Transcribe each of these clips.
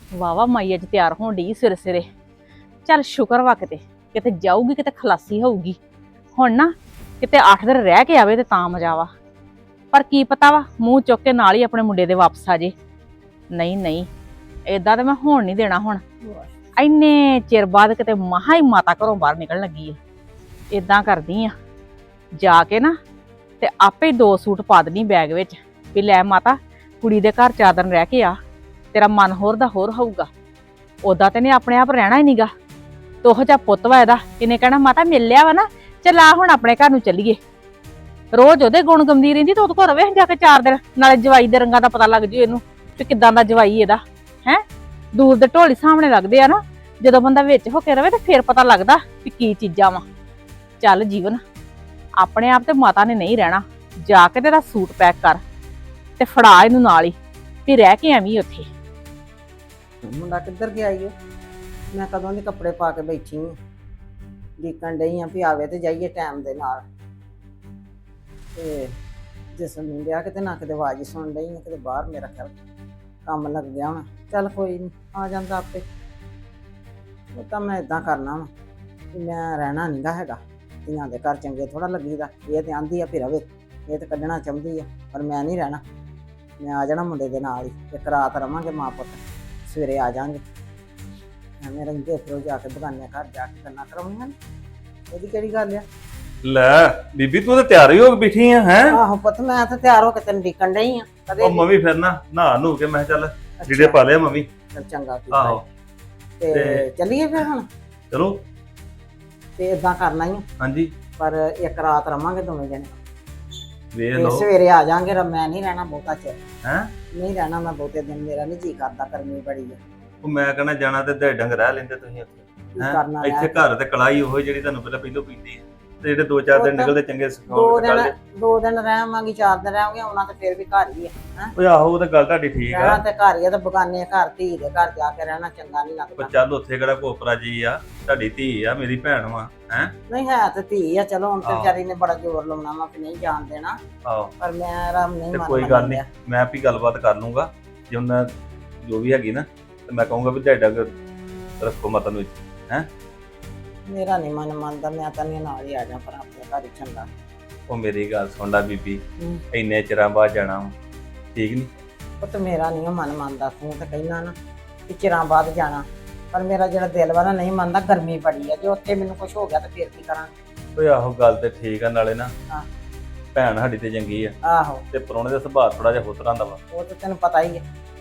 ਵਾਵਾ ਮਾਈ ਅੱਜ ਤਿਆਰ ਹੋਣ ਡਈ ਸਿਰੇ ਸਿਰੇ। ਚੱਲ ਸ਼ੁਕਰ ਵਾ ਕਿਤੇ ਜਾਊਗੀ, ਕਿਤੇ ਖਲਾਸੀ ਹੋਊਗੀ। ਹੁਣ ਨਾ ਕਿਤੇ 8 ਦਿਨ ਰਹਿ ਕੇ ਆਵੇ ਤੇ ਤਾਂ ਮਜ਼ਾ ਵਾ। ਪਰ ਕੀ ਪਤਾ ਵਾ ਮੂੰਹ ਚੁੱਕ ਕੇ ਨਾਲ ਹੀ ਆਪਣੇ ਮੁੰਡੇ ਦੇ ਵਾਪਸ ਆ ਜੇ। ਨਹੀਂ ਨਹੀਂ, ਏਦਾਂ ਤੇ ਮੈਂ ਹੋਣ ਨਹੀਂ ਦੇਣਾ। ਹੁਣ ਇੰਨੇ ਚਿਰ ਬਾਅਦ ਕਿਤੇ ਮਹਾ ਹੀ ਮਾਤਾ ਘਰੋਂ ਬਾਹਰ ਨਿਕਲਣ ਲੱਗੀ ਆ। ਏਦਾਂ ਕਰਦੀ ਆ, ਜਾ ਕੇ ਨਾ ਤੇ ਆਪੇ 2 ਸੂਟ ਪਾ ਦੇਣੀ ਬੈਗ ਵਿੱਚ ਵੀ ਲੈ ਮਾਤਾ, ਕੁੜੀ ਦੇ ਘਰ 4 ਦਿਨ ਰਹਿ ਕੇ ਆ, ਤੇਰਾ ਮਨ ਹੋਰ ਦਾ ਹੋਰ ਹੋਊਗਾ। ਉਦਾਂ ਤੇ ਨੇ ਆਪਣੇ ਆਪ ਰਹਿਣਾ ਹੀ ਨੀਗਾ। ਤੋਹ ਜਿਹਾ ਪੁੱਤ ਵਾ ਇਹਦਾ, ਇਹਨੇ ਕਹਿਣਾ ਮਾਤਾ ਮਿਲ ਲਿਆ ਵਾ ਨਾ, ਚੱਲ ਆ ਹੁਣ ਆਪਣੇ ਘਰ ਨੂੰ ਚੱਲੀਏ। ਰੋਜ਼ ਉਹਦੇ ਗੁਣ ਗੰਦੀ ਰਹਿੰਦੀ ਤੇ ਉਹਦੇ ਕੋਲ ਰਵੇ ਜਾ ਕੇ 4 ਦਿਨ, ਨਾਲੇ ਜਵਾਈ ਦੇ ਰੰਗਾਂ ਦਾ ਪਤਾ ਲੱਗ ਜੂ ਇਹਨੂੰ ਕਿ ਕਿੱਦਾਂ ਦਾ ਜਵਾਈ ਇਹਦਾ ਹੈ। ਦੂਰ ਦੇ ਢੋਲੀ ਸਾਹਮਣੇ ਲੱਗਦੇ ਆ ਨਾ, ਜਦੋਂ ਬੰਦਾ ਵਿੱਚ ਹੋ ਕੇ ਰਵੇ ਤੇ ਫੇਰ ਪਤਾ ਲੱਗਦਾ ਕਿ ਕੀ ਚੀਜ਼ਾਂ ਵਾ। ਚੱਲ ਜੀਵਨ, ਆਪਣੇ ਆਪ ਤੇ ਮਾਤਾ ਨੇ ਨਹੀਂ ਰਹਿਣਾ। ਜਾ ਕੇ ਤੇਰਾ ਸੂਟ ਪੈਕ ਕਰ ਤੇ ਫੜਾ ਇਹਨੂੰ ਨਾਲ ਹੀ, ਤੇ ਰਹਿ ਕੇ ਐਵੇਂ ਉੱਥੇ। ਮੁੰਡਾ ਕਿੱਧਰ ਗਿਆ ਈ? ਮੈਂ ਕਦੋਂ ਦੇ ਕੱਪੜੇ ਪਾ ਕੇ ਬੈਠੀ ਹਾਂ, ਦੇਖਣ ਡਈ ਆ ਵੀ ਆਵੇ ਤੇ ਜਾਈਏ ਟਾਈਮ ਦੇ ਨਾਲ। ਤੇ ਜਿਸ ਨੂੰ ਗਿਆ ਕਿਤੇ ਨਾ ਕਿਤੇ ਆਵਾਜ਼ ਸੁਣ ਡਈ ਆ, ਕਿਤੇ ਬਾਹਰ ਮੇਰਾ ਖਿਆਲ ਕੰਮ ਲੱਗ ਗਿਆ ਹੋਣਾ। ਚੱਲ ਕੋਈ ਨਹੀਂ, ਆ ਜਾਂਦਾ ਆਪੇ। ਉਹ ਤਾਂ ਮੈਂ ਇਦਾਂ ਕਰਨਾ ਵਾ ਕਿ ਮੈਂ ਰਹਿਣਾ ਨਹੀਂਗਾ ਹੈਗਾ। ਧੀਆਂ ਦੇ ਘਰ ਚੰਗੇ ਥੋੜਾ ਲੱਗੀਦਾ। ਇਹ ਤੇ ਆਂਦੀ ਆ ਵੀ ਰਵੇ, ਇਹ ਤੇ ਕੱਢਣਾ ਚਾਹੁੰਦੀ ਆ, ਪਰ ਮੈਂ ਨਹੀਂ ਰਹਿਣਾ। ਮੈਂ ਆ ਜਾਣਾ ਮੁੰਡੇ ਦੇ ਨਾਲ ਹੀ, ਇੱਕ ਰਾਤ ਰਵਾਂਗੇ ਮਾਂ ਪੁੱਤ, ਸਵੇਰੇ ਆ ਜਾਾਂਗੇ। ਐਵੇਂ ਰਹਿੰਦੇ ਫਿਰ ਜਾ ਕੇ ਬਗਾਨੇ ਘਰ ਜਾ ਕੇ ਗੱਲਾਂ ਕਰਾਉਣੀਆਂ। ਇਹਦੀ ਕਿਹੜੀ ਗੱਲ ਆ? ਲੈ ਬੀਬੀ, ਤੂੰ ਤਾਂ ਤਿਆਰ ਹੀ ਹੋ ਕੇ ਬੈਠੀ ਆ ਹੈ? ਆਹੋ ਪੁੱਤ, ਮੈਂ ਤਾਂ ਤਿਆਰ ਹੋ ਕੇ ਤੈਨੂੰ ਡੀਕਣ ਡਈ ਆ। ਉਹ ਮੰਮੀ ਫਿਰ ਨਾ ਨਹਾ ਨੂ ਕੇ ਮੈਂ ਚੱਲ ਜਿਹੜੇ ਪਾ ਲਿਆ ਮੰਮੀ। ਚੱਲ ਚੰਗਾ ਕੀਤਾ। ਆਹੋ ਤੇ ਚੱਲੀਏ ਫਿਰ ਹੁਣ। ਚਲੋ ਤੇ ਇਦਾਂ ਕਰਨਾ ਹੀ, ਹਾਂਜੀ, ਪਰ ਇੱਕ ਰਾਤ ਰਵਾਂਗੇ ਦੋਵੇਂ ਜਣੇ, ਵੇਖ ਤੇ ਲਓ ਸਵੇਰੇ ਆ ਜਾਾਂਗੇ। ਮੈਂ ਨਹੀਂ ਰਹਿਣਾ ਬਹੁਤਾ ਚਿਰ, ਹੈ। ਨਹੀਂ ਰਹਿਣਾ ਮੈਂ ਬਹੁਤੇ ਦਿਨ, ਮੇਰਾ ਨਹੀਂ ਜੀ ਕਰਦਾ, ਗਰਮੀ ਬੜੀ ਆ। ਉਹ ਮੈਂ ਕਹਿੰਦਾ ਜਾਣਾ ਤੇ ਦੇ ਡੰਗ ਰਹਿ ਲੈਂਦੇ ਤੁਸੀਂ ਉੱਥੇ ਕੀ ਹੈਂ? ਕਰਨਾ ਇੱਥੇ ਘਰ ਤੇ ਕਲਾਈ ਉਹ ਜਿਹੜੀ ਤੁਹਾਨੂੰ ਪਹਿਲਾਂ ਪੀਂਦੀ ਹੈ, ਤੇ ਜਿਹੜੇ 2-4 ਦਿਨ ਨਿਕਲਦੇ ਚੰਗੇ 2 ਸਿਖਾਉਣ ਦਿਨ ਨਿਕਲਦੇ। 2 ਦਿਨ ਰਹਾਂਗੀ, 4 ਦਿਨ ਰਹਾਂਗੇ, ਆਉਣਾ ਤੇ ਫਿਰ ਵੀ ਘਰ ਹੀ ਆ। ਓਏ ਆਹੋ, ਉਹ ਤਾਂ ਗੱਲ ਤੁਹਾਡੀ ਠੀਕ ਰਹਿਣਾ ਆ। ਤੇ ਘਰ ਹੀ ਆ, ਤੇ ਬਗਾਨੇ ਘਰ, ਧੀ ਦੇ ਘਰ ਜਾ ਕੇ ਰਹਿਣਾ ਚੰਗਾ ਨਹੀਂ ਪਰ ਲੱਗਦਾ। ਚੱਲ ਉੱਥੇ ਕਿਹੜਾ ਕੋਪਰਾ ਜੀ ਆ, ਤੁਹਾਡੀ ਧੀ ਆ, ਮੇਰੀ ਭੈਣ ਵਾ ਹੈ। ਨਹੀਂ ਹੈ ਤੇ ਧੀ ਆ, ਚਲੋ ਹੁਣ ਤੇ ਆਹੋ। ਵਿਚਾਰੀ ਨੇ ਬੜਾ ਜ਼ੋਰ ਲਾਉਣਾ ਵਾ ਕਿ ਨਹੀਂ ਜਾਣ ਦੇਣਾ, ਆਹੋ, ਪਰ ਮੈਂ ਆਰਾਮ ਨਹੀਂ ਤੇ ਮੰਨ ਕੋਈ ਗੱਲ ਨਹੀਂ, ਮੈਂ ਵੀ ਗੱਲਬਾਤ ਕਰ ਲੂੰਗਾ। ਜੇ ਉਹਨਾਂ ਜੋ ਵੀ ਹੈਗੀ ਨਾ, ਤੇ ਮੈਂ ਕਹੂੰਗਾ ਵੀ ਤੁਹਾਡਾ ਰੱਖੋ ਮਤ ਨੂੰ ਹੈ। ਮੇਰਾ ਨਹੀਂ ਮਨ ਮੰਨਦਾ, ਮੈਂ ਤਾਂ ਨਹੀਂ ਨਾਲ ਹੀ ਆ ਜਾ, ਪਰ ਆਪਣੇ ਘਰ ਹੀ ਚੰਗਾ। ਉਹ ਮੇਰੀ ਗੱਲ ਸੁਣ ਲੈ ਬੀਬੀ, ਹੂੰ। ਇੰਨੇ ਚਿਰਾਂ ਬਾਅਦ ਜਾਣਾ ਵਾ, ਠੀਕ ਨਹੀਂ? ਉਹ ਤੇ ਮੇਰਾ ਨਹੀਂ ਮਨ ਮੰਨਦਾ, ਤੂੰ ਤਾਂ ਕਹਿਣਾ ਨਾ ਕਿ ਚਿਰਾਂ ਬਾਅਦ ਜਾਣਾ, ਪਰ ਮੇਰਾ ਜਿਹੜਾ ਦਿਲ ਵਾ ਨਾ ਨਹੀਂ ਮੰਨਦਾ। ਗਰਮੀ ਬੜੀ ਆ, ਜੇ ਉੱਥੇ ਮੈਨੂੰ ਕੁਝ ਹੋ ਗਿਆ ਤਾਂ ਫਿਰ ਕੀ ਕਰਾਂਗੇ? ਓਏ ਆਹੋ, ਗੱਲ ਤੇ ਠੀਕ ਆ। ਨਾਲੇ ਨਾ ਹਾਂ। ਭੈਣ ਸਾਡੀ ਤੇ ਚੰਗੀ ਆ, ਆਹੋ, ਤੇ ਪ੍ਰਾਹੁਣੇ ਦਾ ਸੁਭਾਅ ਥੋੜਾ ਜਿਹਾ ਹੋਰ ਤਰ੍ਹਾਂ ਦਾ ਵਾ। ਉਹ ਤਾਂ ਤੈਨੂੰ ਪਤਾ ਹੀ ਹੈ।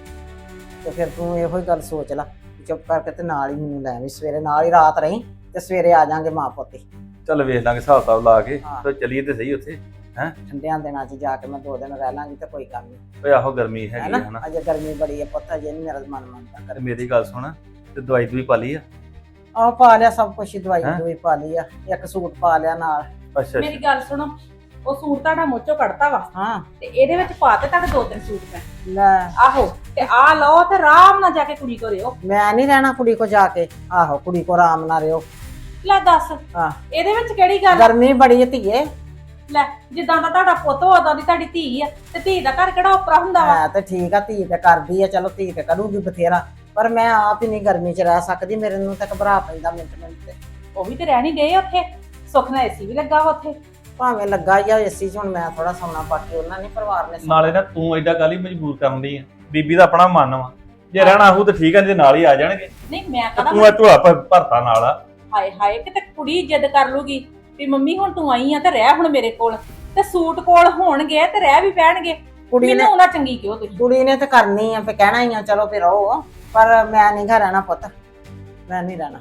ਤੇ ਫਿਰ ਤੂੰ ਇਹੋ ਹੀ ਗੱਲ ਸੋਚ ਲੈ, ਚੁੱਪ ਕਰਕੇ ਤੇ ਨਾਲ ਹੀ ਮੈਨੂੰ ਲੈ ਆਵੀਂ ਸਵੇਰੇ, ਨਾਲ ਹੀ ਰਾਤ ਰਹੀ, ਤੇ ਸਵੇਰੇ ਆ ਜਾਾਂਗੇ ਮਾਂ ਪੁੱਤ। ਚੱਲ ਵੇਖ ਲਾਂਗੇ ਹਿਸਾਬ ਕਿਤਾਬ ਲਾ ਕੇ, ਹਾਂ। ਤੇ ਚੱਲੀਏ ਤੇ ਸਹੀ ਉੱਥੇ ਹੈ। ਠੰਡਿਆਂ ਦਿਨਾਂ 'ਚ ਜਾ ਕੇ ਮੈਂ 2 ਦਿਨ ਰਹਿ ਲਾਂਗੀ ਤੇ ਕੋਈ ਗੱਲ ਨਹੀਂ, ਓਏ ਆਹੋ, ਗਰਮੀ ਹੈਗੀ ਆ ਹੈ ਹਨਾ। ਨਾ। ਅਜੇ ਗਰਮੀ ਬੜੀ ਹੈ ਪੁੱਤ, ਅਜੇ ਨਹੀਂ ਮੇਰਾ ਮਨ ਮੰਨਦਾ। ਤੇ ਮੇਰੀ ਗੱਲ ਸੁਣ, ਤੇ ਦਵਾਈ ਦੂਈ ਪਾ ਲਈ ਆ? ਆਹ ਪਾ ਲਿਆ ਸਭ ਕੁਝ, ਦਵਾਈ ਹੈਂ? ਦੂਈ ਪਾ ਲਈ ਆ, ਇੱਕ ਸੂਟ ਪਾ ਲਿਆ ਨਾਲ। ਅੱਛਾ ਮੇਰੀ ਗੱਲ ਸੁਣੋ, ਉਹ ਸੂਟ ਤੁਹਾਡਾ ਮੋਚੋ ਕੱਢਤਾ ਵਾ, ਹਾਂ ਤੇ ਇਹਦੇ ਵਿੱਚ ਪਾ ਤੇ ਤੁਹਾਡੇ 2-3 ਸੂਟ ਪੈ। ਲੈ, ਆਹੋ, ਤੇ ਆ ਲਓ ਤੇ ਆਰਾਮ ਨਾਲ ਜਾ ਕੇ ਕੁੜੀ ਕੋ ਰਿਓ। ਮੈਂ ਨਹੀਂ ਰਹਿਣਾ ਕੁੜੀ ਕੋ ਜਾ ਕੇ। ਆਹੋ, ਕੁੜੀ ਕੋ ਆਰਾਮ ਨਾਲ ਰਿਓ। ਲੈ ਦੱਸ, ਹਾਂ, ਇਹਦੇ ਵਿੱਚ ਕਿਹੜੀ ਗੱਲ? ਗਰਮੀ ਬੜੀ ਹੈ ਧੀਏ। ਲੈ, ਜਿੱਦਾਂ ਦਾ ਤੁਹਾਡਾ ਪੁੱਤ ਉਦਾਂ ਦੀ ਤੁਹਾਡੀ ਧੀ ਆ, ਤੇ ਧੀ ਦਾ ਘਰ ਕਿਹੜਾ ਉਪਰਾ ਹੁੰਦਾ ਵਾ? ਹੈ ਤੇ ਠੀਕ ਆ, ਧੀ ਤੇ ਕਰਦੀ ਆ, ਚਲੋ ਧੀ ਤੇ ਕਰੂਗੀ ਬਥੇਰਾ, ਪਰ ਮੈਂ ਆਪ ਹੀ ਨਹੀਂ ਗਰਮੀ 'ਚ ਰਹਿ ਸਕਦੀ। ਮੇਰੇ ਨੂੰ ਤਾਂ ਘਬਰਾ ਪੈਂਦਾ ਮਿੰਟ ਮਿੰਟ ਤੇ। ਉਹ ਵੀ ਤੇ ਰਹਿਣੀ ਗਏ ਉੱਥੇ, ਸੁੱਖ ਨਾਲ ਏਸੀ ਵੀ ਲੱਗਾ ਵਾ ਉੱਥੇ। ਭਾਵੇਂ ਲੱਗਾ ਹੀ ਆ ਏਸੀ 'ਚ, ਹੁਣ ਮੈਂ ਥੋੜਾ ਸੌਣਾ, ਬਾਕੀ ਉਹਨਾਂ ਨੇ ਪਰਿਵਾਰ ਨੇ ਸੌਣਾ। ਨਾਲੇ ਨਾ ਤੂੰ ਐਡਾ ਗੱਲ ਹੀ ਮਜਬੂਰ ਕਰਨ ਦੀ ਆ, ਬੀਬੀ ਦਾ ਆਪਣਾ ਮਨ ਵਾ। ਜੇ ਰਹਿਣਾ ਹੋਊ ਤਾਂ ਠੀਕ ਆ, ਜੇ ਨਾਲ ਹੀ ਆ ਜਾਣਗੇ। ਨਹੀਂ ਮੈਂ ਤੇ ਕਹਦਾ ਤੂੰ ਆ ਢੋਆ ਭਰਤਾ ਨਾਲ ਆ। ਹਾਏ ਹਾਏ, ਕਿਤੇ ਕੁੜੀ ਜਿੱਦ ਕਰ ਲੂਗੀ ਵੀ ਮੰਮੀ ਹੁਣ ਤੂੰ ਆਈ ਆ ਤੇ ਰਹਿ ਹੁਣ ਮੇਰੇ ਕੋਲ, ਤੇ ਸੂਟ ਕੋਲ ਹੋਣਗੇ ਤੇ ਰਹਿ ਵੀ ਪੈਣਗੇ। ਕੁੜੀ ਨੇ ਮੈਨੂੰ ਨਾ ਚੰਗੀ ਕਿਉਂ ਤੁਸੀਂ? ਕੁੜੀ ਨੇ ਤੇ ਕਰਨੀ ਆ, ਫੇ ਕਹਿਣਾ ਹੀ ਆ ਚਲੋ ਫਿਰ ਰਹੋ, ਪਰ ਮੈਂ ਨਹੀਂ ਘਰ ਰਹਿਣਾ ਪੁੱਤ, ਮੈਂ ਨਹੀਂ ਰਹਿਣਾ।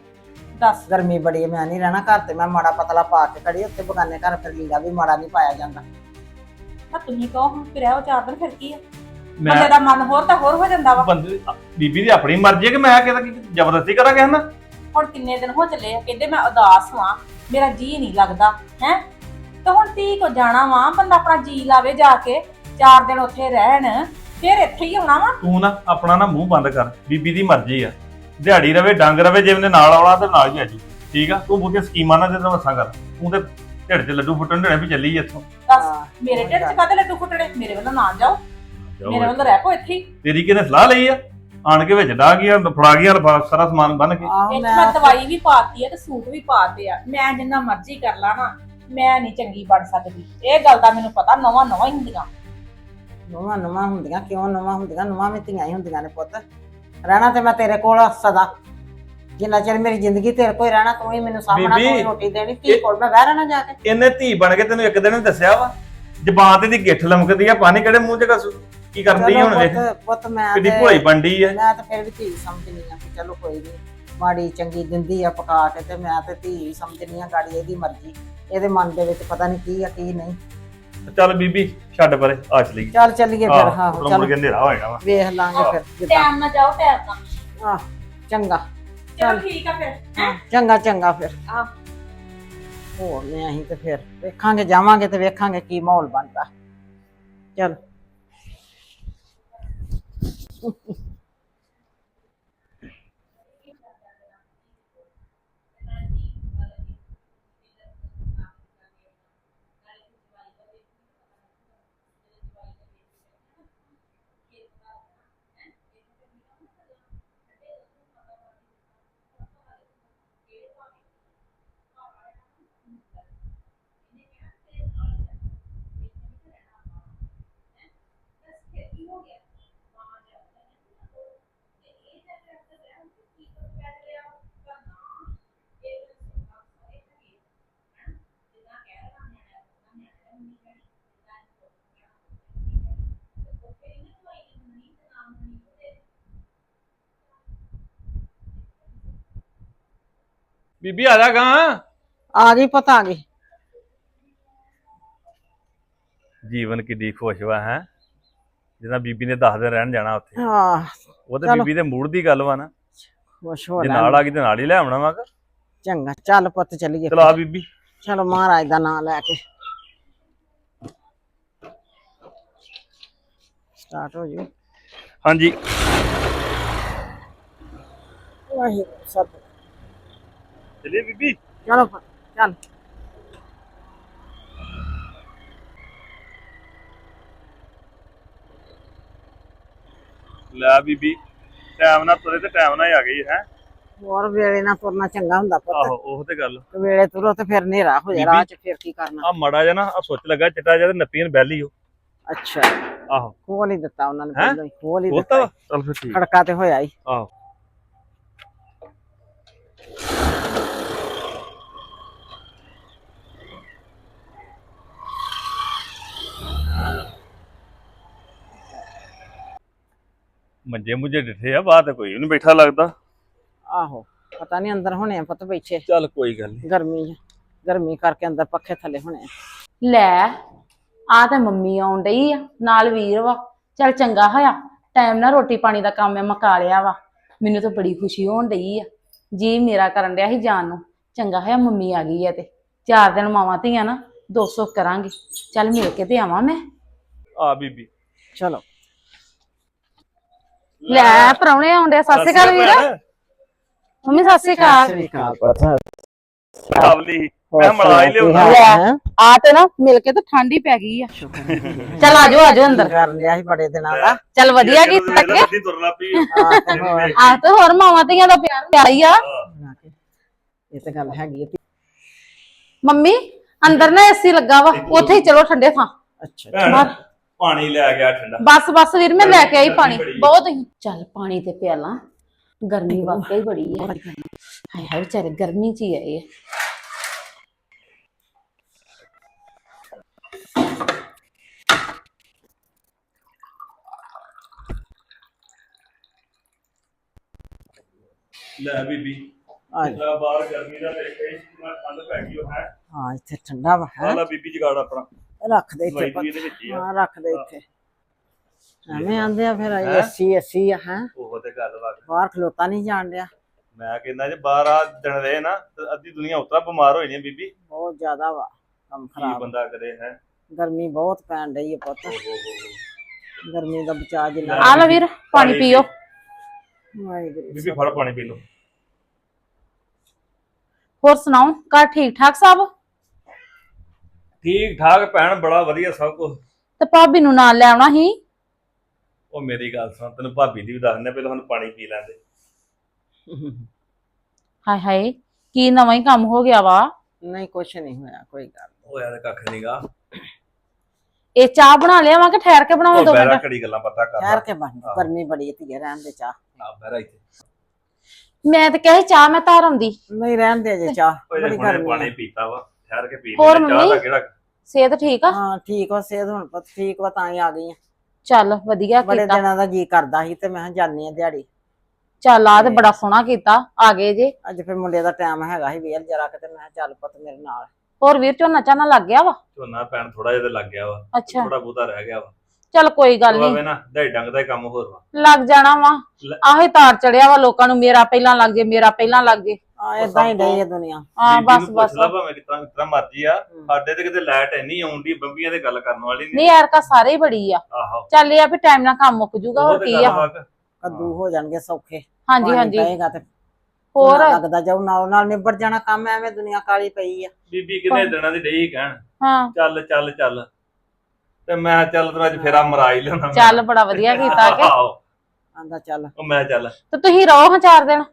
ਦੱਸ, ਗਰਮੀ ਬੜੀ ਹੈ, ਮੈਂ ਨਹੀਂ ਰਹਿਣਾ ਘਰ। ਤੇ ਮੈਂ ਮਾੜਾ ਪਤਲਾ ਪਾ ਕੇ ਖੜੀ, ਉੱਥੇ ਬਗਾਨੇ ਘਰ ਫਿਰ ਲੀੜਾ ਵੀ ਮਾੜਾ ਨਹੀਂ ਪਾਇਆ ਜਾਂਦਾ। ਤਾਂ ਤੁਸੀਂ ਕਹੋ ਹੁਣ ਫਿਰ ਉਹ 4 ਦਿਨ ਫਿਰ ਕੀ ਆ? ਮੈਂ ਬੰਦੇ ਦਾ ਮਨ ਹੋਰ ਤਾਂ ਹੋਰ ਹੋ ਜਾਂਦਾ ਵਾ। ਬੰਦੇ ਬੀਬੀ ਦੀ ਆਪਣੀ ਮਰਜ਼ੀ ਹੈ ਕਿ ਮੈਂ ਕਿਹਦਾ ਜ਼ਬਰਦਸਤੀ ਕਰਾਂਗੇ ਹਨਾ। ਹੁਣ ਕਿੰਨੇ ਦਿਨ ਹੋ ਚੱਲੇ ਆ, ਕਹਿੰਦੇ ਮੈਂ ਉਦਾਸ ਵਾਂ, ਮੇਰਾ ਜੀ ਨਹੀਂ ਲੱਗਦਾ ਹੈ। ਤੇ ਹੁਣ ਧੀ ਕੋ ਜਾਣਾ ਵਾ, ਬੰਦਾ ਆਪਣਾ ਜੀ ਲਾਵੇ, ਜਾ ਕੇ 4 ਦਿਨ ਉੱਥੇ ਰਹਿਣ, ਫਿਰ ਇੱਥੇ ਹੀ ਆਉਣਾ ਵਾ। ਤੂੰ ਨਾ ਆਪਣਾ ਨਾ ਮੂੰਹ ਬੰਦ ਕਰ, ਬੀਬੀ ਦੀ ਮਰਜ਼ੀ ਆ। ਦਿਹਾੜੀ ਰਵੇ ਡੰਗ ਰਵੇ, ਜੇ ਉਹਨੇ ਨਾਲ ਆਉਣਾ ਤੇ ਨਾਲ ਹੀ ਆਜੂ, ਠੀਕ ਆ? ਤੂੰ ਬਹੁਤੀਆਂ ਸਕੀਮਾਂ ਨਾ ਦੇ ਤਾਂ ਮੱਸਾਂ ਕਰ। ਤੂੰ ਤੇ ਢਿੱਡ 'ਚ ਲੱਡੂ ਫੁੱਟਣ ਦੇਣੇ ਵੀ ਚੱਲੀ ਇੱਥੋਂ। ਦੱਸ, ਹਾਂ, ਮੇਰੇ ਢਿੱਡ 'ਚ ਕਾਹਦੇ ਲੱਡੂ ਫੁੱਟਣੇ? ਮੇਰੇ ਵੱਲੋਂ ਨਾ ਜਾਓ, ਮੇਰੇ ਜਾਓ, ਵੱਲੋਂ ਰਹਿ ਪੋ ਇੱਥੇ ਹੀ। ਤੇਰੀ ਕਿਹਨੇ ਸਲਾਹ ਲਈ ਆ? ਆਣ ਕੇ ਵਿੱਚ ਡਾ ਗਿਆ ਫੜਾ ਗਿਆ ਲਿਫਾਫਾ ਸਾਰਾ ਸਮਾਨ ਬੰਨ ਕੇ। ਆਹੋ ਇਹ 'ਚ ਮੈਂ ਮੈਂ ਦਵਾਈ ਵੀ ਪਾਤੀ ਆ ਤੇ ਸੂਟ ਵੀ ਪਾਤੇ ਆ। ਮੈਂ ਜਿੰਨਾ ਮਰਜ਼ੀ ਕਰ ਲਾ ਨਾ, ਮੈਂ ਨਹੀਂ ਚੰਗੀ ਬਣ ਸਕਦੀ। ਇਹ ਗੱਲ ਦਾ ਮੈਨੂੰ ਪਤਾ, ਨਵਾਂ ਹੀ ਹੁੰਦੀਆਂ। ਨਵਾਂ ਹੁੰਦੀਆਂ, ਕਿਉਂ ਨਵਾਂ ਹੁੰਦੀਆਂ? ਨਵਾਂ ਵੀ ਧੀਆਂ ਹੀ ਹੁੰਦੀਆਂ ਨੇ ਪੁੱਤ। ਰਹਿਣਾ ਤੇ ਮੈਂ ਤੇਰੇ ਕੋਲ ਆ ਸਦਾ, ਜਿੰਨਾ ਚਿਰ ਮੇਰੀ ਜ਼ਿੰਦਗੀ ਤੇਰੇ ਕੋਲ ਹੀ ਰਹਿਣਾ। ਤੂੰ ਹੀ ਮੈਨੂੰ ਸਾਹਮਣਾ, ਤੂੰ ਹੀ ਰੋਟੀ ਦੇਣੀ, ਧੀ ਕੋਲ ਮੈਂ ਬਹਿ ਰਹਿਣਾ ਜਾ ਕੇ। ਇਹਨੇ ਧੀ ਬਣ ਕੇ ਤੈਨੂੰ ਇੱਕ ਦਿਨ ਹੀ ਦੱਸਿਆ ਵਾ, ਜ਼ਬਾਨ ਤੇ ਦੀ ਗਿੱਠ ਲਮਕਦੀ ਆ, ਪਾਣੀ ਕਿਹੜੇ ਮੂੰਹ 'ਚ ਕਸੂ? ਕੀ ਕਰਦੀ ਚਲੋ ਹੁਣ ਵੇਖ, ਪੁੱਤ ਮੈਂ ਕਿੱਡੀ ਤੇ- ਭੋਲੀ ਬੰਡੀ ਆ। ਮੈਂ ਤਾਂ ਫਿਰ ਵੀ ਧੀ ਸਮਝਣੀ ਆ ਕਿ ਚਲੋ ਕੋਈ ਨਹੀਂ, ਮਾੜੀ ਚੰਗੀ ਦਿੰਦੀ ਆ ਪਕਾ ਕੇ, ਤੇ ਮੈਂ ਤੇ ਧੀ ਸਮਝਣੀ ਆ। ਗਾੜੀ ਇਹਦੀ ਮਰਜ਼ੀ, ਇਹਦੇ ਮਨ ਦੇ ਵਿੱਚ ਪਤਾ ਨਹੀਂ ਕੀ ਆ ਕੀ ਨਹੀਂ। ਚੱਲ ਬੀਬੀ ਛੱਡ ਪਰੇ, ਆ ਚਲੀ ਚੱਲ ਚੱਲੀਏ ਫਿਰ। ਹਾਂ ਮੁੜ ਚੱਲ ਕੇ ਹਨੇਰਾ ਹੋ ਜਾਣਾ ਵਾ। ਵੇਖ ਲਾਂਗੇ ਫਿਰ ਜਿੱਦਾਂ। ਟਾਈਮ ਨਾਲ ਜਾਓ, ਟਾਈਮ ਨਾਲ। ਆਹ ਚੰਗਾ, ਚਲੋ ਠੀਕ ਆ ਫਿਰ। ਹਾਂ ਚੰਗਾ ਫਿਰ। ਆਹ। ਹੋਰ ਨੇ ਅਸੀਂ ਤੇ ਫਿਰ ਵੇਖਾਂਗੇ, ਜਾਵਾਂਗੇ ਤੇ ਵੇਖਾਂਗੇ ਕੀ ਮਾਹੌਲ ਬਣਦਾ। ਚਲ ਬੀਬੀ ਆ ਜਾ ਗਾ। ਆ ਗਈ, ਪਤਾ ਆ ਗਈ। ਜੀਵਨ ਕਿੱਡੀ ਖੁਸ਼ ਵਾ ਹੈ, ਜਿੱਦਾਂ ਬੀਬੀ ਨੇ 10 ਦਿਨ ਰਹਿਣ ਜਾਣਾ ਉੱਥੇ। ਹਾਂ ਉਹ ਤੇ ਚਲੋ। ਬੀਬੀ ਦੇ ਮੂਡ ਦੀ ਗੱਲ ਵਾ ਨਾ, ਖੁਸ਼ ਹੋ ਜੇ ਲੈ। ਨਾਲ ਆ ਗਈ ਤੇ ਨਾਲ ਹੀ ਲੈ ਆਉਣਾ ਵਾ। ਚੰਗਾ ਚੱਲ ਪੁੱਤ ਚੱਲੀਏ। ਚਲਾ ਬੀਬੀ। ਚਲੋ ਮਹਾਰਾਜ ਦਾ ਨਾਮ ਲੈ ਕੇ ਸਟਾਰਟ ਹੋ ਜੂ। ਹਾਂਜੀ ਵਾਹਿਗੁਰੂ ਸਭ। ਚਲਿਏ ਬੀਬੀ। ਚਲੋ ਪੁੱਤ, ਚੱਲ। ਲੈ ਬੀਬੀ, ਟਾਈਮ ਨਾਲ ਤੁਰੇ ਤੇ ਟਾਈਮ ਨਾਲ ਹੀ ਆ ਗਈ ਹੈ। ਹੋਰ ਵੇਲੇ ਨਾਲ ਤੁਰਨਾ ਚੰਗਾ ਹੁੰਦਾ ਪੁੱਤ। ਆਹੋ ਉਹ ਤੇ ਗੱਲ। ਵੇਲੇ ਤੁਰੋ ਤੇ ਫਿਰ ਹਨੇਰਾ ਹੋ ਜਾ ਰਾਹ ਚ, ਫਿਰ ਕੀ ਕਰਨਾ। ਆ ਮੜਾ ਜਾ ਨਾ, ਆ ਸੁੱਚ ਲੱਗਾ ਚਿੱਟਾ ਜਿਹਾ ਤੇ ਨੱਪੀਆਂ ਬੈਲੀ ਉਹ। ਅੱਛਾ ਆਹੋ ਖੋਲ ਹੀ ਦਿੱਤਾ ਉਹਨਾਂ ਨੇ, ਹੈਂ? ਪਹਿਲਾਂ ਹੀ ਖੋਲ ਹੀ ਖੋਲਤਾ ਵਾ? ਦਿੱਤਾ। ਚੱਲ ਫਿਰ ਠੀਕ। ਖੜਕਾ ਤੇ ਹੋਇਆ ਹੀ। ਆਹੋ ਮੰਜੇ ਮੁੰਜੇ ਡਿੱਠੇ ਆ, ਬਾਹਰ ਤੇ ਕੋਈ ਵੀ ਨਹੀਂ ਬੈਠਾ ਲੱਗਦਾ। ਆਹੋ ਪਤਾ ਨਹੀਂ ਅੰਦਰ ਹੋਣੇ ਆ ਪੁੱਤ ਬੈਠੇ। ਚੱਲ ਕੋਈ ਗੱਲ ਨਹੀਂ। ਗਰਮੀ ਕਰਕੇ ਅੰਦਰ ਪੱਖੇ ਥੱਲੇ ਹੋਣੇ ਆ। ਲੈ ਆ ਤੇ ਮੰਮੀ ਆਉਣ ਡਈ ਆ, ਨਾਲ ਵੀਰ ਵਾ। ਚੱਲ ਚੰਗਾ ਹੋਇਆ, ਟਾਈਮ ਨਾਲ ਰੋਟੀ ਪਾਣੀ ਦਾ ਕੰਮ ਮੈਂ ਮੁਕਾ ਲਿਆ ਵਾ। ਮੈਨੂੰ ਤਾਂ ਬੜੀ ਖੁਸ਼ੀ ਹੋਣ ਡਈ ਆ, ਜੀ ਮੇਰਾ ਕਰਨ ਡਿਆ ਸੀ ਜਾਣ ਨੂੰ। ਚੰਗਾ ਹੋਇਆ ਮੰਮੀ ਆ ਗਈ ਆ, ਤੇ 4 ਦਿਨ ਮਾਵਾਂ ਧੀਆਂ ਨਾ 200 ਕਰਾਂਗੇ। ਚੱਲ ਮਿਲ ਕੇ ਤੇ ਆਵਾਂ ਮੈਂ। ਆ ਬੀਬੀ ਚਲੋ ਲੈ ਪ੍ਰਾਹੁਣੇ ਆਉਂਦੇ। ਸਤਿ ਸ਼੍ਰੀ ਅਕਾਲ ਵੀਰ। ਮੰਮੀ ਸਤਿ ਸ਼੍ਰੀ ਅਕਾਲ। ਕਾਬਲੀ ਮੈਂ ਮਲਾ ਹੀ ਲਿਆਉਂਦਾ। ਆ ਤੇ ਨਾ ਮਿਲ ਕੇ ਤਾਂ ਠੰਡ ਹੀ ਪੈ ਗਈ ਆ। ਚੱਲ ਆਜੋ ਅੰਦਰ। ਕਰ ਲਿਆ ਸੀ ਬੜੇ ਦਿਨਾਂ ਦਾ। ਚੱਲ ਵਧੀਆ ਕੀਤਾ ਕਿ ਲੱਗੀ ਤੁਰਨਾ ਪਈ। ਆ ਤੇ ਹੋਰ ਮਾਵਾਂ ਧੀਆਂ ਦਾ ਪਿਆਰ ਹੀ ਆ। ਇਹ ਤਾਂ ਗੱਲ ਹੈਗੀ ਹੈ। ਮੰਮੀ ਅੰਦਰ ਨਾ ਏਸੀ ਲੱਗਾ ਵਾ, ਉੱਥੇ ਹੀ ਚਲੋ ਠੰਡੇ ਥਾਂ। ਅੱਛਾ ਭੈਣ, ਪਾਣੀ ਲੈ ਗਿਆ ਠੰਡਾ। ਬਸ ਵੀਰ ਮੈਂ ਲੈ ਕੇ ਆਈ ਪਾਣੀ, ਬਹੁਤ ਹੀ। ਚੱਲ ਪਾਣੀ ਤੇ ਪਿਆਲਾਂ, ਗਰਮੀ ਵਾਕਈ ਬੜੀ ਆ। ਹਾਏ ਹਾਏ ਵਿਚਾਰੇ ਗਰਮੀ ਚ ਹੀ ਆਏ ਆ। ਲੈ ਬੀਬੀ, ਆ ਜਿੱਦਾਂ ਬਾਹਰ ਗਰਮੀ ਦਾ ਦੇਖੇ ਕਿੰਨਾ ਠੰਡ ਪੈ ਗਈ ਉਹ ਹੈ। ਹਾਂ ਇੱਥੇ ਠੰਡਾ ਵਾ ਹੈ। ਆ ਲੈ ਬੀਬੀ ਜਗਾੜ ਆਪਣਾ ਰੱਖ ਦੇ ਇੱਥੇ ਦਵਾਈ ਪੁੱਤ। ਵੀ ਇਹਦੇ ਵਿੱਚ ਹੀ ਆ। ਹਾਂ ਰੱਖ ਦੇ ਇੱਥੇ। ਐਵੇਂ ਆਂਦੇ ਆ ਫਿਰ ਏਸੀ ਆ ਹੈ। ਉਹ ਤੇ ਗੱਲ ਵਾ। ਬਾਹਰ ਖਲੋਤਾ ਨਹੀਂ ਜਾਣ ਡਿਆ। ਮੈਂ ਕਹਿੰਦਾ ਜੇ ਬਾਹਰ ਆ ਦਿਨ ਰਹੇ ਨਾ ਤੇ ਅੱਧੀ ਦੁਨੀਆ ਉਤਰਾ ਬਿਮਾਰ ਹੋ ਜਾਣੀ ਬੀਬੀ। ਬਹੁਤ ਜ਼ਿਆਦਾ ਵਾ ਕੰਮ ਕੀ ਖਰਾਬ। ਬੰਦਾ ਕਰੇ ਹੈ। ਗਰਮੀ ਬਹੁਤ ਪੈਣ ਡਈ ਹੈ ਪੁੱਤ। ਗਰਮੀ ਦਾ ਬਚਾ ਜਿੰਨਾ। ਆ ਲੈ ਵੀਰ ਪਾਣੀ ਪੀਓ। ਵਾਹਿਗੁਰੂ ਬੀਬੀ ਫੜ ਪਾਣੀ ਪੀ ਲਓ। ਹੋਰ ਸੁਣਾਓ, ਘਰ ਠੀਕ ਠਾਕ ਸਭ? ਠੀਕ ਠਾਕ ਭੈਣ, ਬੜਾ ਵਧੀਆ ਸਭ ਕੁਝ। ਤੇ ਭਾਬੀ ਨੂੰ ਨਾਲ ਲੈ ਆਉਣਾ ਸੀ। ਉਹ ਮੇਰੀ ਗੱਲ ਸੁਣ, ਤੈਨੂੰ ਭਾਬੀ ਦੀ ਵੀ ਦੱਸ ਦਿੰਦੇ, ਪਹਿਲਾਂ ਸਾਨੂੰ ਪਾਣੀ ਪੀ ਲੈਂਦੇ। ਹਾਏ ਹਾਏ ਕੀ ਨਵਾਂ ਹੀ ਕੰਮ ਹੋ ਗਿਆ ਵਾ। ਨਹੀਂ ਕੁਛ ਨਹੀਂ ਹੋਇਆ, ਕੋਈ ਗੱਲ ਹੋਇਆ ਤਾਂ ਕੱਖ ਨਹੀਂਗਾ। ਇਹ ਚਾਹ ਬਣਾ ਲਿਆ ਵਾ ਕਿ ਠਹਿਰ ਕੇ ਬਣਾਵਾਂ ਉਹ 2 ਬਹਿਰਾ ਮਿੰਟ? ਘੜੀ ਗੱਲਾਂ ਪਤਾ ਕਰ ਠਹਿਰ ਕੇ ਬਣ, ਗਰਮੀ ਬੜੀ ਧੀਏ, ਰਹਿਣ ਦੇ ਚਾਹ। ਆ ਬਹਿਰਾ ਇੱਥੇ ਮੈਂ ਤਾਂ ਕਹੇ ਚਾਹ ਮੈਂ ਧਾਰ ਆਉਂਦੀ। ਨਹੀਂ ਰਹਿਣ ਦੇ ਜੇ ਚਾਹ, ਉਹ ਬੜੀ ਹੁਣੇ ਗਰਮੀ ਪਾਣੀ ਆ। ਪੀਤਾ ਵਾ, ਠਹਿਰ ਕੇ ਪੀ ਹੋਰ ਲੈਂਦੇ। ਚਾਹ ਦਾ ਮੰਮੀ? ਕਿਹੜਾ ਸਿਹਤ ਠੀਕ ਆ? ਹਾਂ ਠੀਕ ਵਾ, ਸਿਹਤ ਹੁਣ ਪੁੱਤ ਠੀਕ ਵਾ, ਤਾਂ ਹੀ ਆ ਗਈ ਆ। ਚੱਲ ਵਧੀਆ ਬੜੇ ਕੀਤਾ। ਦਿਨਾਂ ਦਾ ਜੀ ਕਰਦਾ ਸੀ ਤੇ ਮੈਂ ਕਿਹਾ ਜਾਨੀ ਆ ਦਿਹਾੜੀ। ਚੱਲ ਆ ਤੇ ਬੜਾ ਸੋਹਣਾ ਕੀਤਾ, ਆ ਗਏ ਜੇ। ਅੱਜ ਫਿਰ ਮੁੰਡੇ ਦਾ ਟਾਈਮ ਹੈਗਾ ਸੀ ਵੇਲ ਜਰਾ ਕਿਤੇ, ਮੈਂ ਕਿਹਾ ਚੱਲ ਪੁੱਤ ਮੇਰੇ ਨਾਲ। ਹੋਰ ਵੀਰ ਝੋਨਾ ਝਾਨਾ ਲੱਗ ਗਿਆ ਵਾ? ਝੋਨਾ ਪੈਣ ਥੋੜਾ ਜਿਹਾ ਤੇ ਲੱਗ ਗਿਆ ਵਾ, ਅੱਛਾ ਥੋੜਾ ਬਹੁਤਾ ਰਹਿ ਗਿਆ ਵਾ। ਚੱਲ ਕੋਈ ਗੱਲ ਉਹ ਨਹੀਂ, ਆਵੇ ਨਾ ਦਹਾਈ ਡੰਗ ਦਾ ਹੀ ਕੰਮ ਹੋਰ ਵਾ। ਲੱਗ ਜਾਣਾ ਵਾ। ਲੈ। ਆਹੇ ਤਾਰ ਚੜਿਆ ਵਾ ਲੋਕਾਂ ਨੂੰ, ਮੇਰਾ ਪਹਿਲਾਂ ਲੱਗ ਜੇ, ਮੇਰਾ ਪਹਿਲਾਂ ਲੱਗ ਜੇ। ਆ ਏਦਾਂ ਹੀ ਡਈ ਆ ਦੁਨੀਆ। ਹਾਂ ਬੀਬੀ ਬਸ ਨੂੰ ਬਸ। ਪੁੱਛ ਲਾ ਭਾਵੇਂ ਕਿਤਨਾ ਮਰਜੀ ਆ, ਸਾਡੇ ਤੇ ਕਿਤੇ ਲਾਈਟ ਇੰਨੀ ਆਉਂਦੀ, ਬੰਬੀਆਂ ਤੇ ਗੱਲ ਕਰਨ ਵਾਲੀ ਨਹੀਂ। ਨਹੀਂ ਯਾਰ ਕਾ ਸਾਰੇ ਹੀ ਬੜੀ ਆ। ਆਹੋ ਚੱਲ ਇਹ ਆ ਵੀ ਟਾਈਮ ਨਾਲ ਕੰਮ ਮੁੱਕ ਜੂਗਾ, ਹੋਰ ਉਹ ਤੇ ਕੀ ਗੱਲ ਆ। ਵਾ। ਕੱਦੂ ਹੋ ਜਾਣਗੇ ਸੌਖੇ। ਹਾਂਜੀ ਪਾਣੀ ਹਾਂਜੀ ਪਏਗਾ ਤੇ ਹੋਰ ਲੱਗਦਾ ਜਾਊ, ਨਾਲ ਨਾਲ ਨਿਬੜ ਜਾਣਾ ਕੰਮ, ਐਵੇਂ ਦੁਨੀਆ ਕਾਲੀ ਪਈ ਆ। ਬੀਬੀ ਕਿੰਨੇ ਦਿਨਾਂ ਦੀ ਡਈ ਕਹਿਣ ਹਾਂ ਚੱਲ ਚੱਲ ਚੱਲ, ਤੇ ਮੈਂ ਚੱਲ ਤੈਨੂੰ ਅੱਜ ਫੇਰਾ ਮਰਾ ਹੀ ਲਿਆਉਣਾ। ਚੱਲ ਬੜਾ ਵਧੀਆ ਕੀਤਾ ਕਿ। ਆਹੋ, ਆਂਦਾ ਚੱਲ ਉਹ ਮੈਂ ਚੱਲ ਤੇ ਤੁਸੀਂ ਰਹੋ ਹਾਂ 4 ਦਿਨ।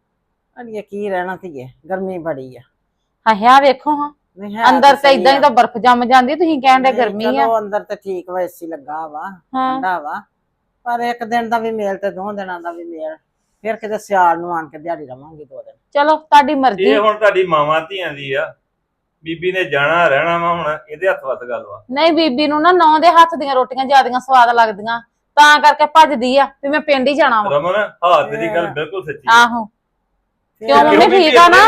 ਅੜੀਏ ਕੀ ਰਹਿਣਾ ਧੀਏ, ਗਰਮੀ ਬੜੀ ਆ। ਹਾਂ ਵੇਖੋ ਹਾਂ, ਨਹੀਂ ਹੈ ਅੰਦਰ ਤੇ ਸਹੀ ਇਦਾਂ ਹੀ ਆ। ਤਾਂ ਬਰਫ਼ ਜੰਮ ਜਾਂਦੀ, ਤੁਸੀਂ ਕਹਿਣ ਦੇ ਨਹੀਂ, ਗਰਮੀ ਆ। ਚਲੋ ਅੰਦਰ ਤੇ ਠੀਕ ਵਾ, ਏਸੀ ਲੱਗਾ ਵਾ, ਹਾਂ ਠੰਡਾ ਵਾ, ਪਰ ਇੱਕ ਦਿਨ ਦਾ ਵੀ ਮੇਲ ਤੇ 2 ਦਿਨਾਂ ਦਾ ਵੀ ਮੇਲ, ਫਿਰ ਕਿਤੇ ਸਿਆਲ ਨੂੰ ਆਣ ਕੇ ਦਿਹਾੜੀ ਰਵਾਂਗੇ 2 ਦਿਨ। ਚਲੋ ਤੁਹਾਡੀ ਮਰਜ਼ੀ। ਇਹ ਹੁਣ ਤੁਹਾਡੀ ਮਾਵਾਂ ਧੀਆਂ ਦੀ ਆ, ਬੀਬੀ ਨੇ ਜਾਣਾ ਰਹਿਣਾ ਵਾ, ਹੁਣ ਇਹਦੇ ਹੱਥ ਵੱਸ ਗੱਲ ਵਾ। ਨਹੀਂ ਬੀਬੀ ਨੂੰ ਨਾ ਨੌ ਦੇ ਹੱਥ ਦੀਆਂ ਰੋਟੀਆਂ ਜ਼ਿਆਦੀਆਂ ਸਵਾਦ ਲੱਗਦੀਆਂ, ਤਾਂ ਕਰਕੇ ਭੱਜਦੀ ਆ ਵੀ ਮੈਂ ਪਿੰਡ ਹੀ ਜਾਣਾ ਵਾ। ਰਮਨ ਹਾਂ ਤੇਰੀ ਗੱਲ ਬਿਲਕੁਲ ਸੱਚੀ ਆ। ਆਹੋ ਫਿਰ ਕਿਉਂ ਮੰਮੀ ਬੀਬੀ ਠੀਕ ਆ ਨਾ?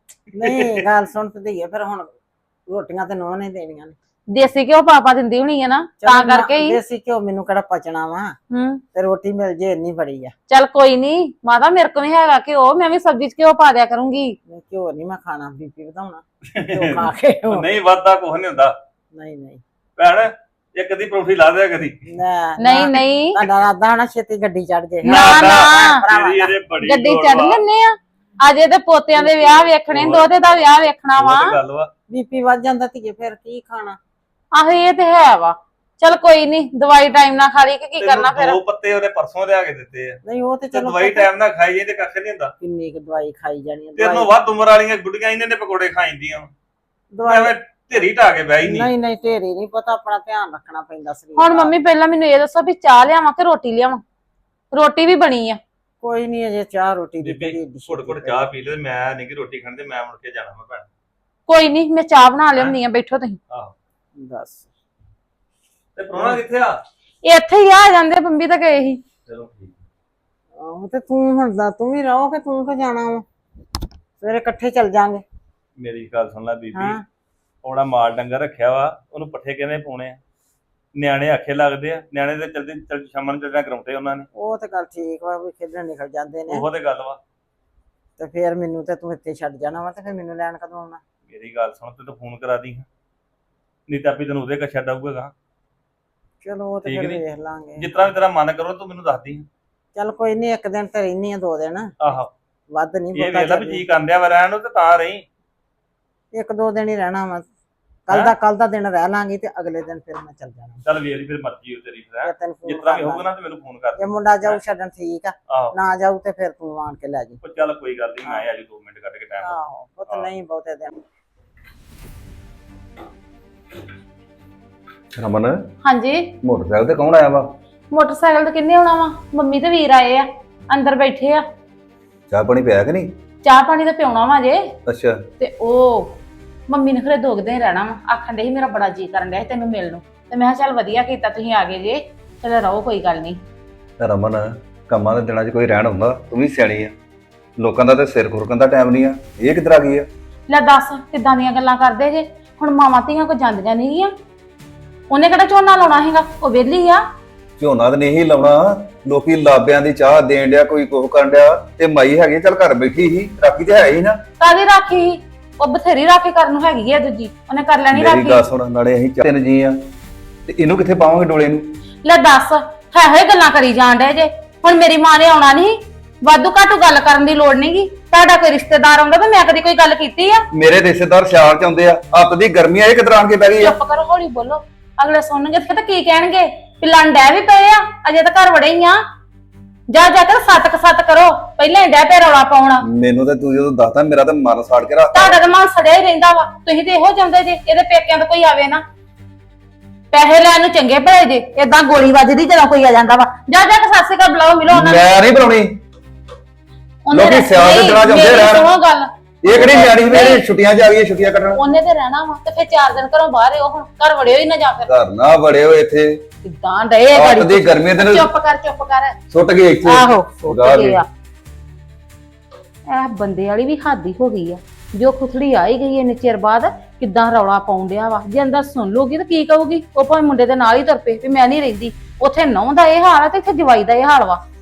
ਨਹੀਂ ਗੱਲ ਸੁਣ ਤੇ ਧੀਏ, ਫਿਰ ਹੁਣ ਰੋਟੀਆਂ ਤੇ ਨੋਹ ਨੇ ਦੇਣੀਆਂ ਨੇ। ਦੇਸੀ ਘਿਓ ਪਾਪਾ ਦਿੰਦੀ ਹੋਣੀ ਹੈ ਨਾ, ਚਲੋ ਤਾਂ ਕਰਕੇ ਹੀ। ਦੇਸੀ ਘਿਓ ਮੈਨੂੰ ਕਿਹੜਾ ਪਚਣਾ ਵਾ, ਹੂੰ ਤੇ ਰੋਟੀ ਮਿਲ ਜੇ ਇੰਨੀ ਬੜੀ ਆ। ਚੱਲ ਕੋਈ ਨਹੀਂ ਮਾਤਾ, ਮੇਰੇ ਕੋਲ ਵੀ ਹੈਗਾ ਘਿਓ, ਮੈਂ ਵੀ ਸਬਜ਼ੀ 'ਚ ਘਿਓ ਪਾ ਦਿਆ ਕਰੂੰਗੀ। ਨਹੀਂ, ਘਿਓ ਨਹੀਂ ਮੈਂ ਖਾਣਾ, ਬੀਪੀ ਵਧਾਉਣਾ ਘਿਓ ਖਾ ਕੇ। ਉਹ ਨਹੀਂ ਵੱਧਦਾ ਕੁਝ ਨਹੀਂ ਹੁੰਦਾ ਨਹੀਂ ਨਹੀਂ ਭੈਣ, ਇੱਕ ਦੀ ਪਰੌਂਠੀ ਲਾ ਦਿਆ ਕਦੀ। ਨਹੀਂ ਨਹੀਂ ਤੁਹਾਡਾ ਰਾਦਾ ਨਾ ਛੇਤੀ ਗੱਡੀ ਚੜ ਜੇ। ਨਾ, ਨਾ। ਤੇਰੀ ਇਹਦੇ ਬੜੀ ਗੱਡੀ ਲੋੜ ਚੜ ਵਾ। ਲੈਨੇ ਆ, ਅਜੇ ਤੇ ਪੋਤਿਆਂ ਦੇ ਵਿਆਹ ਵੇਖਣੇ, ਦੋਤੇ ਦਾ ਵਿਆਹ ਵੇਖਣਾ ਵਾ। ਉਹ ਤੇ ਗੱਲ ਵਾ। ਬੀਪੀ ਵੱਧ ਜਾਂਦਾ ਧੀਏ, ਫਿਰ ਕੀ ਖਾਣਾ। ਆਹੋ ਇਹ ਤੇ ਹੈ ਵਾ। ਚੱਲ ਕੋਈ ਨਹੀਂ, ਦਵਾਈ ਟਾਈਮ ਨਾਲ ਖਾ ਲਈ ਕਿ ਕੀ ਕਰਨਾ ਫਿਰ। ਤੈਨੂੰ 2 ਪੱਤੇ ਉਹਨੇ ਪਰਸੋਂ ਲਿਆ ਕੇ ਦਿੱਤੇ ਆ, ਨਹੀਂ ਉਹ ਤੇ ਤੇ ਚਲੋ ਦਵਾਈ ਟਾਈਮ ਨਾਲ ਖਾਈ ਜਾਈ ਤੇ ਕੱਖ ਨਹੀਂ ਹੁੰਦਾ। ਕਿੰਨੀ ਕੁ ਦਵਾਈ ਖਾਈ ਜਾਣੀ ਆ। ਤੇਰੇ ਨੂੰ ਵੱਧ ਉਮਰ ਵਾਲੀਆਂ ਗੁੱਡੀਆਂ ਇਹਨਾਂ ਨੇ ਪਕੌੜੇ ਖਾਈਂਦੀਆਂ, ਦਵਾਈ ਐਵੇਂ ਢੇਰੀ ਢਾ ਕੇ ਬਹਿ ਹੀ ਨਹੀਂ। ਨਹੀਂ ਨਹੀਂ ਢੇਰੀ ਨਹੀਂ ਪਤਾ, ਆਪਣਾ ਧਿਆਨ ਰੱਖਣਾ ਪੈਂਦਾ ਸਰੀਰ ਹੁਣ ਦਾ। ਮੰਮੀ ਪਹਿਲਾਂ ਮੈਨੂੰ ਇਹ ਦੱਸੋ ਵੀ ਚਾਹ ਲਿਆਵਾਂ ਕਿ ਰੋਟੀ ਲਿਆਵਾਂ? ਰੋਟੀ ਵੀ ਬਣੀ ਆ। ਕੋਈ ਨਹੀਂ ਅਜੇ ਚਾਹ ਰੋਟੀ ਦੀ ਬੀਬੀ ਘੁੱਟ ਘੁੱਟ ਚਾਹ ਪੀ ਲੈ, ਮੈਂ ਨਹੀਂ ਕਿ ਰੋਟੀ ਖਾਣ, ਤੇ ਮੈਂ ਮੁੜ ਕੇ ਜਾਣਾ ਮੈਂ ਭੈਣ। ਕੋਈ ਨਹੀਂ ਮੈਂ ਚਾਹ ਬਣਾ ਲਿਆਉਂਦੀ ਆ, ਬੈਠੋ ਤੁਸੀਂ। ਆਹੋ ਦੱਸ। ਤੇ ਪ੍ਰਾਹੁਣਾ ਕਿੱਥੇ ਆ? ਇੱਥੇ ਹੀ ਆ ਜਾਂਦੇ, ਬੰਬੀ ਤਾਂ ਗਏ ਸੀ। ਚਲੋ ਠੀਕ। ਆਹੋ ਤੇ ਤੂੰ ਹੁਣ ਦਾ ਤੂੰ ਵੀ ਰਹੋ ਕਿ ਤੂੰ ਕਿ ਜਾਣਾ ਵਾ? ਸਵੇਰੇ ਇਕੱਠੇ ਚੱਲ ਜਾਾਂਗੇ। ਮੇਰੀ ਗੱਲ ਸੁਣ ਲੈ ਬੀਬੀ, ਹਾਂ। ਉਹਦਾ ਮਾਲ ਡੰਗਰ ਰੱਖਿਆ ਵਾ, ਉਹਨੂੰ ਪੱਠੇ ਕਿਵੇਂ ਪਾਉਣੇ ਆ? ਨਿਆਣੇ ਆਖੇ ਲੱਗਦੇ ਆ, ਨਿਆਣੇ ਤੇ ਚਲਦੇ ਸ਼ਾਮਾਂ ਨੂੰ ਚੱਲਣਾ ਕਰਾਉਂਦੇ ਉਹਨਾਂ ਨੇ। ਉਹ ਤੇ ਗੱਲ ਠੀਕ ਵਾ, ਵੀ ਖੇਡਣ ਨਿਕਲ ਜਾਂਦੇ ਨੇ। ਉਹੋ ਤੇ ਗੱਲ ਵਾ। ਤੇ ਫਿਰ ਮੈਨੂੰ ਤੇ ਤੂੰ ਇੱਥੇ ਛੱਡ ਜਾਣਾ ਵਾ, ਤੇ ਫਿਰ ਮੈਨੂੰ ਲੈਣ ਕਦੋਂ ਆਉਣਾ? ਮੇਰੀ ਗੱਲ ਸੁਣ, ਤੂੰ ਫੋਨ ਕਰਾ ਦੀ, ਨਹੀਂ ਤਾਂ ਵੀ ਤੈਨੂੰ ਉਹਦੇ ਕਾ ਛੱਡ ਆਊਗਾ। ਚਲੋ ਉਹ ਤੇ ਠੀਕ ਫਿਰ ਨੀ? ਵੇਖ ਲਾਂਗੇ। ਜਿਸ ਤਰ੍ਹਾਂ ਵੀ ਤੇਰਾ ਮਨ ਕਰੋ ਤੂੰ ਮੈਨੂੰ ਦੱਸ ਦੀ। ਚੱਲ ਕੋਈ ਨਹੀਂ, ਇੱਕ ਦਿਨ ਤੇ ਰਹਿਨੀ ਆ, 2 ਦਿਨ ਆਹੋ ਵੱਧ ਨਹੀਂ ਇਹ ਵੇਖ ਲੈ ਵੀ ਜੀ ਕਰਦਿਆ ਵਾ ਰਹਿਣ ਨੂੰ, ਤੇ ਤਾਂ ਰਹੀ। 1-2 ਦਿਨ ਹੀ ਰਹਿਣਾ ਵਾ। ਹੈਂ? ਕੱਲ ਦਾ ਦਿਨ ਰਹਿ ਲਾਂਗੀ, ਤੇ ਅਗਲੇ ਦਿਨ ਫਿਰ ਮੈਂ ਚੱਲ ਜਾਣਾ। ਚੱਲ ਵੇਖ ਲਈ ਫਿਰ ਮਰਜ਼ੀ ਹੋ ਤੇਰੀ ਫਿਰ, ਫਿਰ ਤੈਨੂੰ ਜਿਸ ਫੋਨ ਤਰ੍ਹਾਂ ਵੀ ਕਰ ਹੋਊਗਾ ਨਾ ਤੇ ਮੈਨੂੰ ਫੋਨ ਕਰ ਦੇ। ਜੇ ਮੁੰਡਾ ਜਾਊ ਛੱਡਣ ਠੀਕ ਆ, ਆਹੋ ਨਾ ਜਾਊ ਤੇ ਫਿਰ ਤੂੰ ਆਣ ਕੇ ਲੈ ਜੀ। ਉਹ ਚੱਲ ਕੋਈ ਗੱਲ ਨਹੀਂ, ਮੈਂ ਆ ਜੀ 2 ਮਿੰਟ ਕੱਢ ਕੇ ਟਾਈਮ। ਆਹੋ ਉਹ ਤਾਂ ਹਾਂ। ਨਹੀਂ ਬਹੁਤੇ ਦਿਨ। ਰਮਨ, ਹਾਂਜੀ ਮੋਟਰਸਾਈਕਲ ਤੇ ਕੌਣ ਆਇਆ ਵਾ? ਮੋਟਰਸਾਈਕਲ ਤੇ ਕਿੰਨੇ ਆਉਣਾ ਵਾ? ਮੰਮੀ ਤੇ ਵੀਰ ਆਏ ਆ, ਅੰਦਰ ਬੈਠੇ ਆ। ਚਾਹ ਪਾਣੀ ਪਿਆ ਕਿ ਨਹੀਂ? ਚਾਹ ਪਾਣੀ ਤਾਂ ਪਿਉਣਾ ਵਾ ਜੇ। ਅੱਛਾ। ਤੇ ਉਹ ਮੰਮੀ ਨੇ ਖਰੇ 2 ਦਿਨ ਰਹਿਣਾ ਵਾ, ਆਖਣ ਦੇ ਸੀ ਮੇਰਾ ਬੜਾ ਜੀ ਕਰਨ ਡਿਆ ਸੀ ਤੈਨੂੰ ਮਿਲਣ ਨੂੰ, ਤੇ ਮੈਂ ਕਿਹਾ ਚੱਲ ਵਧੀਆ ਕੀਤਾ ਤੁਸੀਂ ਆ ਗਏ ਜੇ, ਚਲ ਰਹੋ ਕੋਈ ਗੱਲ ਨਹੀਂ। ਰਮਨ, ਕੰਮਾਂ ਦੇ ਦਿਨਾਂ 'ਚ ਕੋਈ ਰਹਿਣ ਹੁੰਦਾ? ਤੂੰ ਵੀ ਸਿਆਣੀ ਆ, ਲੋਕਾਂ ਦਾ ਤੇ ਸਿਰ ਖੁਰਕਣ ਦਾ ਟਾਈਮ ਨਹੀਂ ਆ। ਇਹ ਕਿੱਧਰ ਆ ਗਈ ਆ? ਲੈ ਦੱਸ ਕਿੱਦਾਂ ਦੀਆਂ ਗੱਲਾਂ ਕਰਦੇ ਜੇ? ਹੁਣ ਮਾਵਾਂ ਧੀਆਂ ਕੋ ਜਾਂਦੀਆਂ ਨਹੀਂ ਗੀਆਂ, ਉਹਨੇ ਕਿਹੜਾ ਝੋਨਾ ਲਾਉਣਾ ਹੈਗਾ, ਉਹ ਵਿਹਲੀ ਆ। ਝੋਨਾ ਤਾਂ ਨਹੀਂ ਲਾਉਣਾ, ਲੋਕੀ ਲਾਬਿਆਂ ਦੀ ਚਾਹ ਦੇਣ ਡਿਆ, ਕੋਈ ਕੁਝ ਕਰਨ ਡਿਆ, ਤੇ ਮਾਈ ਹੈਗੀ ਚੱਲ ਘਰ ਬੈਠੀ ਸੀ, ਰਾਖੀ ਤੇ ਹੈ ਹੀ ਨਾ। ਕਾਹਦੀ ਰਾਖੀ? ਉਹ ਬਥੇਰੀ ਰਾਖੀ ਕਰਨ ਨੂੰ ਹੈਗੀ ਆ, ਦੂਜੀ ਉਹਨੇ ਕਰ ਲੈਣੀ ਮੇਰੀ ਰਾਖੀ। ਗੱਲ ਸੁਣ, ਨਾਲੇ ਅਸੀਂ 3 ਜੀ ਆ, ਤੇ ਇਹਨੂੰ ਕਿੱਥੇ ਪਾਵਾਂਗੇ ਡੋਲੇ ਨੂੰ? ਲੈ ਦੱਸ ਹੈ ਗੱਲਾਂ ਕਰੀ ਜਾਣ ਡੇ ਜੇ। ਹੁਣ ਮੇਰੀ ਮਾਂ ਨੇ ਆਉਣਾ ਨਹੀਂ, ਵਾਧੂ ਘਾਟੂ ਗੱਲ ਕਰਨ ਦੀ ਲੋੜ ਨਹੀਂਗੀ। ਤੁਹਾਡਾ ਕੋਈ ਰਿਸ਼ਤੇਦਾਰ ਆਉਂਦਾ ਤਾਂ ਮੈਂ ਕਦੀ ਕੋਈ ਗੱਲ ਕੀਤੀ ਆ? ਮੇਰੇ ਰਿਸ਼ਤੇਦਾਰ ਸਿਆਲ ਚ ਆਉਂਦੇ ਆ, ਅੱਤ ਦੀ ਗਰਮੀ ਆ, ਇਹ ਕਿੱਧਰ ਆਣ ਕੇ ਬਹਿ ਗਈ ਆ? ਚੁੱਪ ਕਰੋ, ਹੌਲੀ ਬੋਲੋ, ਅਗਲੇ ਸੁਣਨਗੇ ਤਾਂ ਕੀ ਕਹਿਣਗੇ? ਪਿਲਣ ਡੈ ਵੀ ਪਏ ਆ, ਅਜੇ ਤਾਂ ਘਰ ਵੜੇ ਹੀ ਆ। ਜਾ ਜਾ ਕੇ ਸੱਤ ਕਰੋ, ਪਹਿਲਾਂ ਹੀ ਡੈ ਪੇ ਰੌਲਾ ਪਾਉਣਾ। ਮੈਨੂੰ ਤਾਂ ਤੂੰ ਜਦੋਂ ਦੱਸਦਾ ਮੇਰਾ ਤਾਂ ਮਨ ਸਾੜ ਕੇ ਰੱਖਤਾ। ਤੁਹਾਡਾ ਤਾਂ ਮਨ ਸੜਿਆ ਹੀ ਰਹਿੰਦਾ ਵਾ, ਤੁਸੀਂ ਤੇ ਇਹੋ ਚਾਹੁੰਦੇ ਜੇ ਇਹਦੇ ਪੇਕਿਆਂ ਤੋਂ ਕੋਈ ਆਵੇ ਨਾ, ਪੈਸੇ ਲੈਣ ਨੂੰ ਚੰਗੇ ਭਲੇ ਜੇ, ਏਦਾਂ ਗੋਲੀ ਵੱਜਦੀ ਜਦੋਂ ਕੋਈ ਆ ਜਾਂਦਾ ਵਾ। ਜਾ ਜਾ ਕੇ ਸਤਿ ਸ਼੍ਰੀ ਅਕਾਲ ਬੁਲਾਓ, ਮਿਲੋ ਉਹਨਾਂ ਨੂੰ। ਮੈਂ ਨਹੀਂ ਬੁਲਾਉਣੀ, ਲੋਕੀ ਸਿਆਲ ਦੇ ਦਿਨਾਂ ਚ ਆਉਂਦੇ ਰਹਿਣ। ਸੁਣੋ ਗੱਲ, ਇਹ ਕਿਹੜੀ ਨਿਆਣੀ ਮੇਰੇ ਛੁੱਟੀਆਂ ਚ ਆ ਗਈ, ਛੁੱਟੀਆਂ ਕੱਟਣ। ਉਹਨੇ ਤੇ ਰਹਿਣਾ ਵਾ ਤੇ ਫਿਰ 4 ਦਿਨ ਘਰੋਂ ਬਾਹਰ ਹੀ, ਉਹ ਹੁਣ ਘਰ ਵੜਿਓ ਹੀ ਨਾ ਜਾਂ ਫਿਰ ਘਰ ਨਾ ਬੜੇ ਹੋ ਇੱਥੇ, ਕਿੱਦਾਂ ਡਏ ਆ ਅੱਤ ਗਾੜੀ। ਦੀ ਗਰਮੀ ਦੇ ਨਾਲ ਚੁੱਪ ਕਰ ਸੁੱਟ ਗਏ ਇੱਥੇ। ਆਹੋ ਗਾਹ ਸੁੱਟ ਗਏ ਆ। ਇਹ ਬੰਦੇ ਵਾਲੀ ਵੀ ਹੱਦ ਹੀ ਹੋ ਗਈ ਆ, ਜੋ ਖੁਥੜੀ ਆ ਹੀ ਗਈ ਇੰਨੇ ਚਿਰ ਬਾਅਦ ਕਿੱਦਾਂ ਰੌਲਾ ਪਾਉਣ ਡਿਆ ਵਾ। ਜੇ ਅੰਦਰ ਸੁਣ ਲੂਗੀ ਤਾਂ ਕੀ ਕਹੂਗੀ, ਉਹ ਭਾਵੇਂ ਮੁੰਡੇ ਦੇ ਨਾਲ ਹੀ ਤੁਰ ਪਏ ਵੀ ਮੈਂ ਨਹੀਂ ਰਹਿੰਦੀ। ਉੱਥੇ ਨਹੁੰ ਦਾ ਇਹ ਹਾਲ ਆ ਤੇ ਇੱਥੇ ਜਵਾਈ ਦਾ ਇਹ ਹਾਲ ਵਾ।